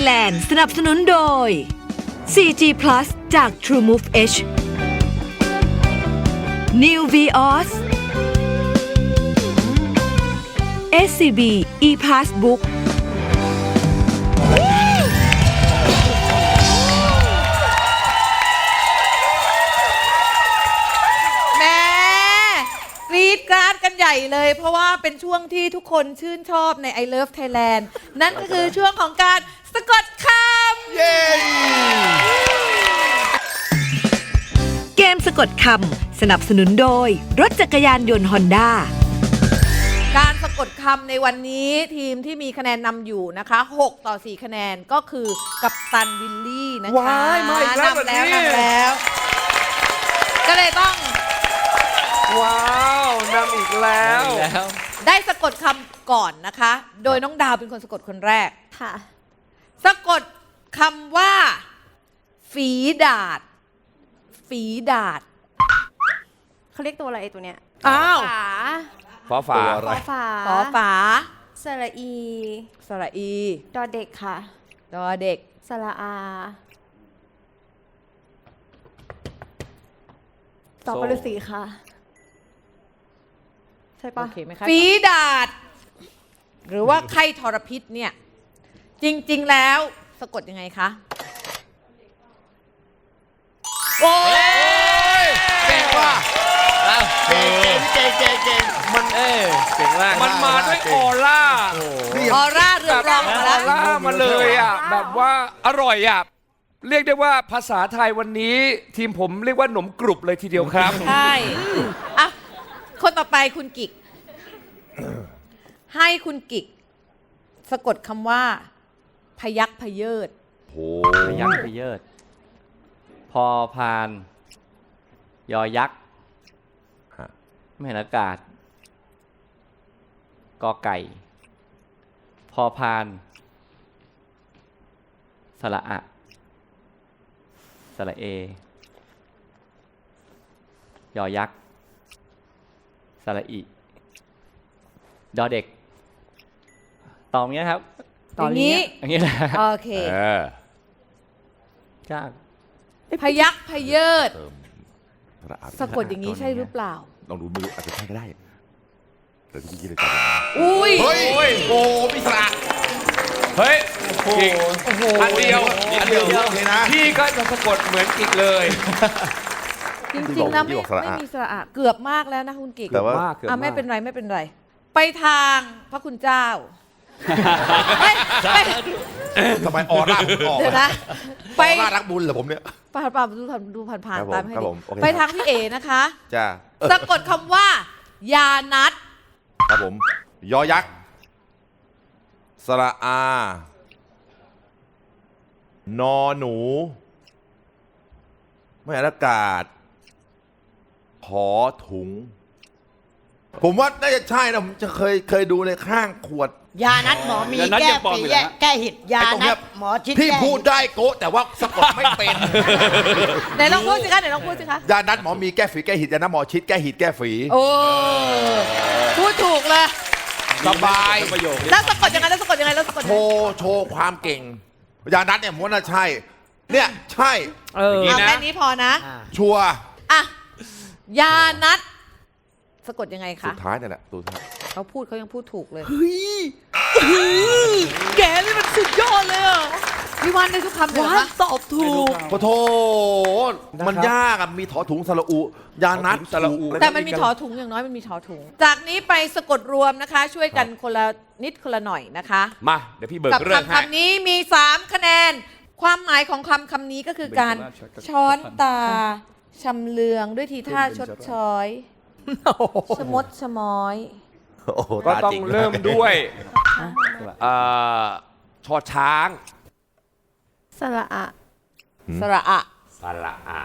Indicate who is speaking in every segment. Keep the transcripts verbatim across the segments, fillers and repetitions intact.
Speaker 1: Thailand สนับสนุนโดย โฟร์จี Plus จาก TrueMove H New Vios เอส ซี บี ePassbook
Speaker 2: กรี๊ดกราดกันใหญ่เลยเพราะว่าเป็นช่วงที่ทุกคนชื่นชอบใน I Love Thailand นั่นก็คือช่วงของการสะกดคำ
Speaker 3: เย้
Speaker 1: เกมสะกดคำสนับสนุนโดยรถจักรยานยนต์ฮอนด้า
Speaker 2: การสะกดคำในวันนี้ทีมที่มีคะแนนนำอยู่นะคะหกต่อสี่คะแนนก็คือกัปตันวิลลี่นะคะ
Speaker 3: ว้ายมาอีกแล้ว
Speaker 2: นำแล้ว
Speaker 3: แบบนี้
Speaker 2: นำแล้ว ก็เลยต้อง
Speaker 3: ว้าวนำอีกแล้ว
Speaker 2: ได้สะกดคำก่อนนะคะ โดยน้องดาวเป็นคนสะกดคนแรกค่ะสะกดคำว่า ฝีดาษ ฝีดาษ
Speaker 4: เขาเรียกตัวอะไรตัวเนี้ย
Speaker 2: อ้าว
Speaker 4: ฝา
Speaker 3: ฟ้าฝา
Speaker 4: ฝาฝา
Speaker 2: ขอฝา
Speaker 4: สระอี
Speaker 2: สระอี
Speaker 4: ดอเด็กค่ะ
Speaker 2: ดอเด็ก
Speaker 4: สระอาต่อปรุสีค่ะ ใช่ปะ
Speaker 2: โอเคไหมคะฝีดาษ หรือว่าไข้ทรพิษเนี่ย จริงๆแล้วสะกดยังไงคะโอ้ย
Speaker 3: เก่งว่ะเก่งเก่งเก่งเก่งมันเออเก่งมากมันมาด้วยออร่า
Speaker 2: ออร่าเรืองรองมาแล้ว
Speaker 3: ออร่ามาเลยอ่ะแบบว่าอร่อยอ่ะเรียกได้ว่าภาษาไทยวันนี้ทีมผมเรียกว่าหนมกรุบเลยทีเดียวครับ
Speaker 2: ใช่อ่ะคนต่อไปคุณกิก ให้คุณกิก สะกดคำว่า พยักพเยิด
Speaker 5: พยักพเยิด พอพาน ยอยักษ์ไม่เห็นอากาศ กอไก่ พอพาน สระอะ สระเอ ยอยักษ์ สระอิ ดอเด็ก ตอบอย่างเงี้ยครับ
Speaker 2: อย่างนี้
Speaker 5: อย่างนี้แหละ
Speaker 2: โอเค
Speaker 5: จ้า
Speaker 2: พยักพเยิด
Speaker 6: เติมพระอาทิตย์
Speaker 2: สะกดอย่างนี้ใช่หรือเปล่า
Speaker 6: ลองดูมืออาจจะใช่ก็ได้เดี๋ยวพี่คิดเลยจ้ะ
Speaker 2: อุ้ย
Speaker 3: เฮ้ยโอ้พิศระเฮ้ยกิก
Speaker 2: โอ้โห
Speaker 3: อันเดียว
Speaker 6: อันเดียวโอเคนะ
Speaker 3: พี่ก็จะสะกดเหมือนกิกเลย
Speaker 2: จริงๆแล้วไม่ไม่มีสระอะเกือบมากแล้วนะคุณกิก
Speaker 6: แต่ว่า
Speaker 2: อ่ะไม่เป็นไรไม่เป็นไร ไปทางพระคุณเจ้าไม่ไม่
Speaker 6: ทำไมออร่าผมออก
Speaker 2: เดี๋ยวนะ
Speaker 6: ไป
Speaker 2: ไป
Speaker 6: ออร่ารักบุญเหรอผมเนี่ย
Speaker 2: ผ่านผ่านดูผ่านดูผ่านผ่าน
Speaker 6: ครับผม
Speaker 2: ตามให้
Speaker 6: ครับ
Speaker 2: ดี
Speaker 6: ผมโอเค
Speaker 2: ไปทางพี่เอนะคะ
Speaker 6: จ้า
Speaker 2: สะกดคำว่า ยานัด
Speaker 6: ครับผม ยอยักษ์ สระอา นอหนู ไม่อากาศ ขอถุง ผมว่าน่าจะใช่นะ ผมจะเคยเคยดูในข้างขวด
Speaker 7: ยานัดหมอมี
Speaker 5: ยานัด
Speaker 7: แก้
Speaker 5: ยังปลอม
Speaker 7: ฝี
Speaker 5: อยู่
Speaker 7: แก้
Speaker 5: นะ
Speaker 7: แก้หิดยา
Speaker 6: ไอ้ตรงเนี้
Speaker 7: นั
Speaker 6: ย
Speaker 7: ดหมอชิด
Speaker 6: พี่
Speaker 7: แก้
Speaker 6: พูด
Speaker 7: หิ
Speaker 6: ได้โกะแต่ว่าสะกดไม่เป็น
Speaker 2: ไหนลองพูดสิคะไหนลองพูดสิคะ
Speaker 6: ยานัดหมอมีแก้ฝีแก้หิดยานัดหมอชิดแก้หิดแก้ฝี
Speaker 2: โอ้พูดถูกเลย
Speaker 6: สบาย
Speaker 5: ประโยคนี้
Speaker 2: แล้วสะกดยังไงแล้วสะกดยังไงแล้วสะกดยัง
Speaker 6: โช
Speaker 2: ไง
Speaker 6: ว์โชว์ความเก่ง ยานัดเนี่ยม้วนน่ะใช่ เนี่ยใช่
Speaker 3: เออ
Speaker 2: เอาแค่นี้พอนะ
Speaker 7: อ่า
Speaker 6: ชัวร์
Speaker 2: อ่ะ ยานัด สะกดยังไง
Speaker 6: สุ
Speaker 2: คะ
Speaker 6: ดท้ายเนี่ยแหละตัวท้าย
Speaker 2: เขาพูดเขายังพูดถูกเลย
Speaker 6: เฮ้ย
Speaker 2: แกนี่มันสุดยอดเลยอ่ะพี่วันได้ทุกคำเลยเหรอคะตอบถูก
Speaker 6: โอ้โถมันยากอะมีถอถุงสระอุ ยานัด
Speaker 3: สระอุ
Speaker 2: แต่มันมีถอถุงอย่างน้อยมันมีถอถุง จากนี้ไปสะกดรวมนะคะ ช่วยกันคนละนิดคนละหน่อยนะคะ
Speaker 3: มาเดี๋ยวพี่เบิก
Speaker 2: กับ
Speaker 3: เรื่อง
Speaker 2: คำ
Speaker 3: ให้
Speaker 2: คำนี้มีสามคะแนน ความหมายของคำคำนี้ก็คือการช้อนตา ชำเลืองด้วยทีท่าชดช้อยชะมดชะม้อย
Speaker 6: โอ้โห
Speaker 3: ก็
Speaker 6: ตา
Speaker 3: ต้อง
Speaker 6: จริง
Speaker 3: เริ่มด้วยเอ่อชอช้าง
Speaker 4: สระอะ
Speaker 2: สระอะ
Speaker 3: สระอะ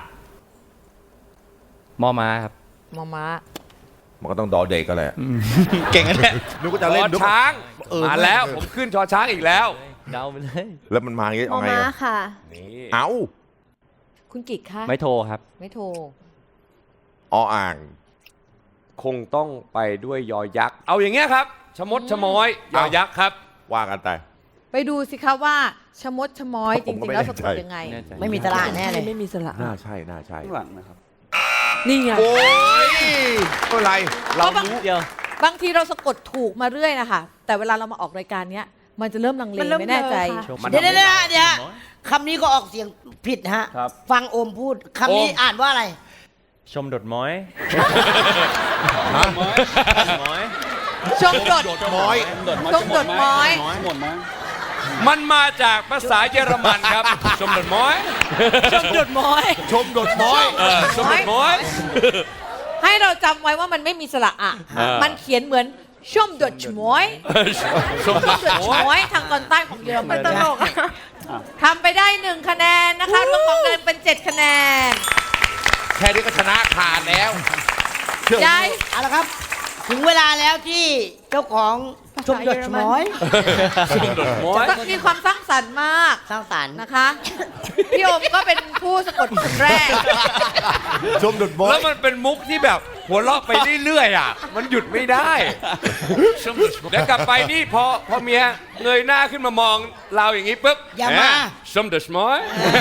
Speaker 5: มอม้าครับ
Speaker 2: มอม้า
Speaker 6: มันก็ต้องดอเด็กก็แหละ
Speaker 5: เก่งกันเนี่ย
Speaker 6: นึกว่า
Speaker 3: ช
Speaker 6: จะเล่น
Speaker 3: อ
Speaker 6: นึก
Speaker 3: ช้าง
Speaker 6: เออ
Speaker 3: มาแล้วผมขึ้นชอช้างอีกแล้ว
Speaker 5: เดาไปเลย
Speaker 6: แล้วมันมาอย่างงี้
Speaker 4: มอ
Speaker 6: เอาไง
Speaker 4: ม้า
Speaker 6: อะ
Speaker 4: ค่ะ
Speaker 3: นี่
Speaker 6: เอ้า
Speaker 2: คุณกิกคะ
Speaker 5: ไม่โทรครับ
Speaker 2: ไม่โทร
Speaker 6: ออ่าง
Speaker 3: คงต้องไปด้วยยอยักษ์ เอาอย่างเงี้ยครับ ชะมดชะม้อย ยอยักษ์ครับ
Speaker 6: ว่ากันไป
Speaker 2: ไปดูสิคะว่าชะมดชะม้อยจ
Speaker 6: ผมก็
Speaker 2: ริงๆ
Speaker 6: ไม่
Speaker 2: แล้ว
Speaker 6: แน่
Speaker 2: สะก
Speaker 6: ใจ
Speaker 2: ดยังไง
Speaker 5: แน่ใจ
Speaker 7: ไม่มีตลาดแน่เลย
Speaker 1: ไม่มีสระ
Speaker 6: น่าใช่น่าใช่
Speaker 8: ข้างหลังนะครับ
Speaker 1: นี่ไง
Speaker 6: โอ้ยไม่เป็นไร เรา
Speaker 2: ก็บาง
Speaker 6: รู้
Speaker 5: เดียว
Speaker 2: บางทีเราสะกดถูกมาเรื่อยนะคะแต่เวลาเรามาออกรายการเนี้ยมันจะเริ่มลังเล
Speaker 4: มันเริ่ม
Speaker 2: ไม่แน่ใจ
Speaker 4: เบลอค่ะ
Speaker 5: มัน
Speaker 7: เดี๋ยวเดี๋ยวเดี๋ยวเดี๋ยว
Speaker 5: น้อย
Speaker 7: คำนี้ก็ออกเสียงผิดฮะ
Speaker 8: ครับ
Speaker 7: ฟังโอมพูดคำนี้
Speaker 3: โอม
Speaker 7: อ่านว่าอะไร
Speaker 5: ชมดดม้อย
Speaker 6: ฮะ
Speaker 5: ม้อย
Speaker 2: ชมดด
Speaker 6: ดม้อย
Speaker 8: ดดม้อย
Speaker 2: ชมดดม้อย
Speaker 8: หมดไหม
Speaker 3: มันมาจากภาษาเยอรมันครับ ชมดดม้อย
Speaker 1: ชมดดม้อย
Speaker 6: ชมดดม้อย
Speaker 3: เออชมดดม้อย
Speaker 2: ให้เราจำไว้ว่ามันไม่มีสระอะ
Speaker 3: อ่ามั
Speaker 2: มันเขียนเหมือนชมดดชมอย
Speaker 3: ชม
Speaker 2: ช
Speaker 3: ด
Speaker 2: ม
Speaker 3: ด
Speaker 2: ดดช
Speaker 3: ม้อย
Speaker 2: มอยทางตอนใต้ของเยอรมัน
Speaker 4: ตลกอะ
Speaker 2: ทำไปได้หนึ่งคะแนนนะคะรวมของเดินเป็นเจ็ดคะแนน
Speaker 6: แค่นี้ก็ชนะขาดแล้วเชื่อผม
Speaker 2: ยาย
Speaker 7: เอาละครับ ถึงเวลาแล้วที่เจ้าของชมดดชม้อย
Speaker 3: ชมดดม้อย
Speaker 2: มีความสร้างสรรค์มาก
Speaker 7: สร้างสรรค์
Speaker 2: นะคะ พี่โอมก็เป็นผู้สะกดคนแรก
Speaker 6: ชมดดม้อ
Speaker 3: แล้
Speaker 6: ยว
Speaker 3: มันเป็นมุกที่แบบหัวเราะไปเรื่อยๆอ่ะ มันหยุดไม่ได้ชมดดเดี๋ยวกลับไปนี่พอพอเมียเงยหน้าขึ้นมามองเราอย่างนี้ปุ๊บ
Speaker 7: อย่ามา
Speaker 3: ชมดดม้อย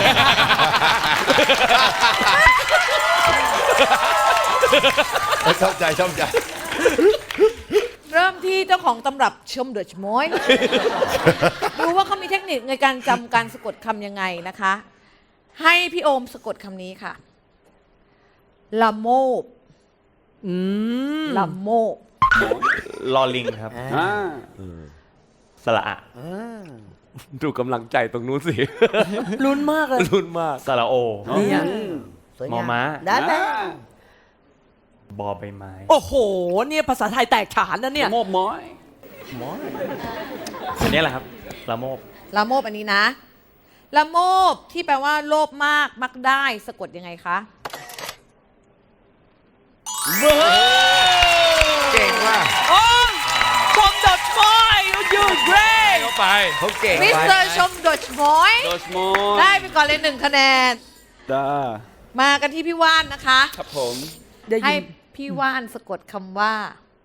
Speaker 6: ชอบใจชอบใจ
Speaker 2: เริ่มที่เจ้าของตำรับชมเดชมอย ดูว่าเขามีเทคนิคในการจำการสะกดคำยังไงนะคะ ให้พี่โอมสะกดคำนี้ค่ะ ละโมบ
Speaker 1: อืม
Speaker 2: ละโมบ
Speaker 5: ลอลิงครับ
Speaker 8: อ่า
Speaker 5: สระอะ
Speaker 3: ดูกำลังใจตรงนู้นสิ
Speaker 1: ลุ้นมากเลย
Speaker 3: ลุ้นมาก
Speaker 5: สระโอ
Speaker 1: เนี่ย
Speaker 7: สวย
Speaker 5: มอง
Speaker 7: าม
Speaker 5: ม้า
Speaker 7: ได้ไหม
Speaker 5: บอใบไม้
Speaker 1: โอ้โห เนี่ยภาษาไทยแตกฉานนะเนี่ย
Speaker 8: โมบม้อย
Speaker 5: อันนี้แหละครับละโมบ
Speaker 2: ละโมบอันนี้นะ ละโมบที่แปลว่าโลภมากมักได้สะกดยังไงคะ
Speaker 6: เก่งว่ะ
Speaker 1: โอ้ชมดดม้อยยูเกรท
Speaker 3: เข้าไป
Speaker 6: เขาเก่ง
Speaker 2: มิสเตอร์ชมเดชมอย
Speaker 8: โดชมอย
Speaker 2: ได้ไปก่อนเลยหนึ่งคะแนน
Speaker 8: จ้า
Speaker 2: มากันที่พี่ว่านนะคะ
Speaker 8: ครับผม
Speaker 1: ได้
Speaker 2: ให้
Speaker 1: ยิน
Speaker 2: พี่ว่านสะกดคำว่า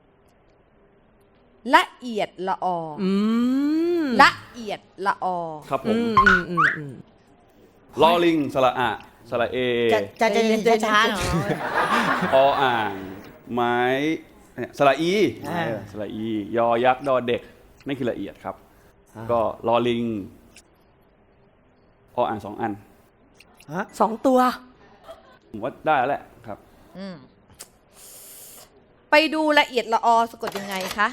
Speaker 2: ละเอียดละอออ
Speaker 1: อืม
Speaker 2: ละเอียดละออ
Speaker 8: ครับผ
Speaker 1: อื
Speaker 8: ม
Speaker 1: มอืมอืมอืม
Speaker 8: ลอลิง สระอะสระเอ
Speaker 7: จะจะจะจะจะช้าหน่อย
Speaker 8: ออ่าง ไม้เนี่ยสระอี
Speaker 7: อ่า
Speaker 8: เออสระอี ยอยักษ์ดอเด็กนั่นคือละเอียดครับ ก็ลอลิง ออ่างสองอัน
Speaker 1: สองตัว
Speaker 8: ผมว่าได้แล้วแหละครับ
Speaker 2: อืมไปดูละเอียดละออสะกดยังไงคะ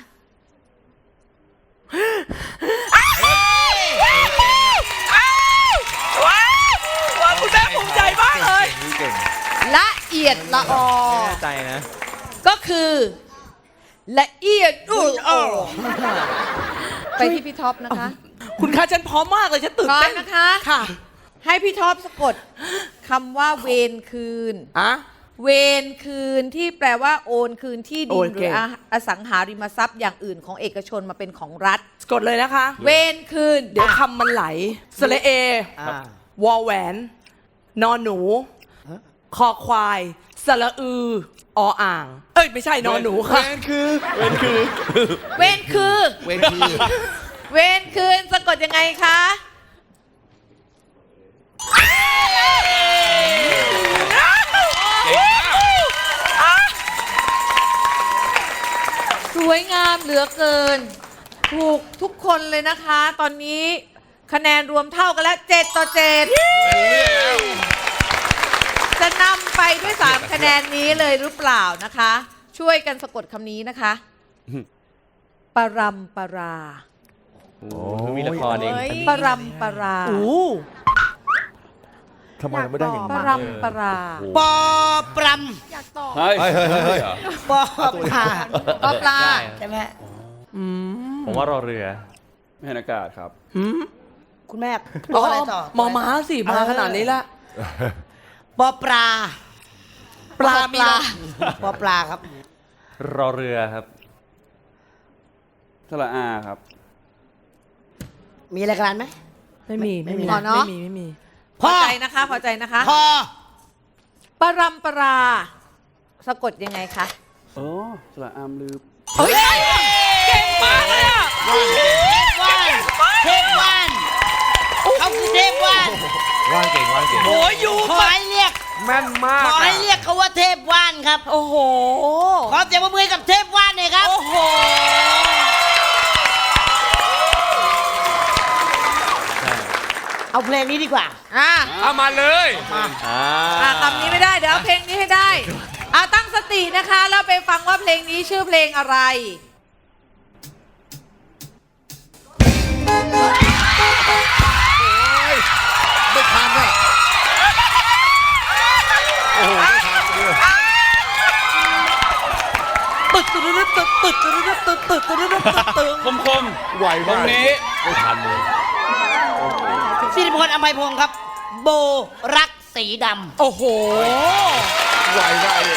Speaker 1: ว้าวว้าวคุณแม่ภูมิใจมากเลย
Speaker 6: เก่ง
Speaker 2: ละเอียดละออ
Speaker 5: แน่ใจนะ
Speaker 2: ก็คือ ละเอียดละออไปที่พี่ท็อปนะคะ
Speaker 1: คุณคะฉันพร้อมมากเลยฉันตื่น
Speaker 2: พร้อม
Speaker 1: เต้น
Speaker 2: นะคะ
Speaker 1: ค่ะ
Speaker 2: ให้พี่ท็อปสะกดคำว่าเวรคืน
Speaker 1: อะ
Speaker 2: เวรคืนที่แปลว่าโอนคืนที่ดิ
Speaker 1: โอน น
Speaker 2: ห
Speaker 1: เก่
Speaker 2: รือง ออสังหาริมทรัพย์อย่างอื่นของเอกชนมาเป็นของรัฐ
Speaker 1: กดเลยนะคะ
Speaker 2: เวรคืน
Speaker 1: เดี๋ยวคำมันไหลสระเอ
Speaker 7: อ่า
Speaker 1: วอแหวน นอนหนู คอควาย สระอือ ออ่าง เอ้ย ไม่ใช่นอนหนูค่ะ
Speaker 2: เวรคือ
Speaker 6: เวนคือ
Speaker 2: เวรคืนสะกดยังไงคะสวยงามเหลือเกิน ถูกทุกคนเลยนะคะ ตอนนี้คะแนนรวมเท่ากันแล้วเจ็ดต่อเจ็ดจะนำไปด้วยสามคะแนนนี้เลยหรือเปล่านะคะ ช่วยกันสะกดคำนี้นะคะปรำปรา
Speaker 5: โอ้มีละครเอง
Speaker 2: ปรำปรา
Speaker 1: อู้
Speaker 6: ทำไมไม่ได้อย่าง
Speaker 2: ป
Speaker 6: นี้
Speaker 2: รำปรา
Speaker 7: ปอปร
Speaker 4: อยากตอบ
Speaker 8: เฮ้ย
Speaker 6: เฮ้ยเฮ้ยเฮ้ยเฮ้ย
Speaker 7: ำปอปลา
Speaker 2: ปอปลา
Speaker 7: ใช่ไหม
Speaker 5: ผมว่ารอเรือ
Speaker 8: ไม่เห็นอากาศครับ
Speaker 7: คุณแม่ปออะไรต่อ
Speaker 1: หมอม้าสิ มาขนาดนี้ละ
Speaker 7: ปอปลา
Speaker 1: ปลามีละ
Speaker 7: ปอปลาครับ
Speaker 5: รอเรือครับ
Speaker 8: สระอาครับ
Speaker 7: มีอะไรกันไหม
Speaker 1: ไม่มี ไม่มี
Speaker 2: พอเนอะ
Speaker 1: ไม่มี ไม่มี
Speaker 2: พอใจนะคะ พอใจนะคะ
Speaker 7: พอ
Speaker 2: ปรำปรา สะกดยังไงคะ
Speaker 8: โอ้สระอามลืม
Speaker 1: เฮ้ย เก่งมากเลยอ่ะ
Speaker 7: ว่านเทพว่านเขาคือเทพว่าน
Speaker 6: ว่านเก่งว่านเก่ง
Speaker 1: โอ้ยอยู่
Speaker 7: ขอให้เรียก
Speaker 3: แม่นมาก
Speaker 7: ขอให้
Speaker 3: อะ
Speaker 7: เรียกเขาว่าเทพว่านครับ
Speaker 1: โอ้โห
Speaker 7: ขอเสียงปรบมือให้กับเทพว่านหน่อยครับ
Speaker 1: โอ้โห
Speaker 7: เอาเพลงนี้ดีกว่า
Speaker 2: อ่ะ
Speaker 3: เอามาเลย
Speaker 5: อ่า
Speaker 2: อ่ะคำนี้ไม่ได้เดี๋ยวเอาเพลงนี้ให้ได้เอาตั้งสตินะคะแล้วไปฟังว่าเพลงนี้ชื่อเพลงอะไร
Speaker 6: ไม่ทันอ่ะโอ้โหไม่ทันเลย
Speaker 1: ตึกตึกตึกตึกตึกตึกตึกตึกตึกตึกตึกตึก
Speaker 8: คมคม
Speaker 6: ไว
Speaker 8: ๆตร
Speaker 6: มาก
Speaker 8: งนี้
Speaker 6: ไม่ทันเลย
Speaker 7: สิริพลอภัยพงศ์ครับ โบรักสีด
Speaker 1: โอ้โห
Speaker 6: ไวได้เลย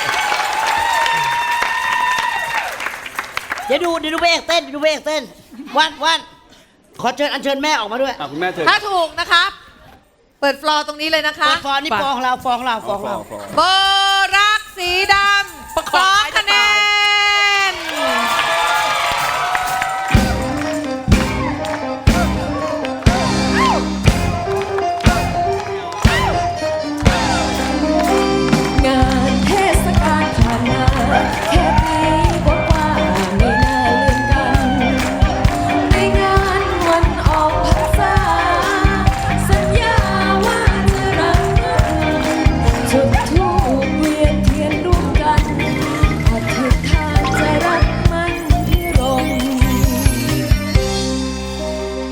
Speaker 7: ำเดี๋ยวดูเดี๋ยวดูพระเอกเต้นเดี๋ยวดูพระเอกเต้นว่านว่านขอเชิญอัญเชิญแม่ออกมาด้วย
Speaker 8: อ่ะคุณแม่เชิญ
Speaker 2: ถ้าถูกนะคะ เปิดฟลอร์ตรงนี้เลยนะคะ
Speaker 7: เปิดฟอนนี่ฟองเราฟองเราฟองเรา
Speaker 2: โบรักสีดำสองคะ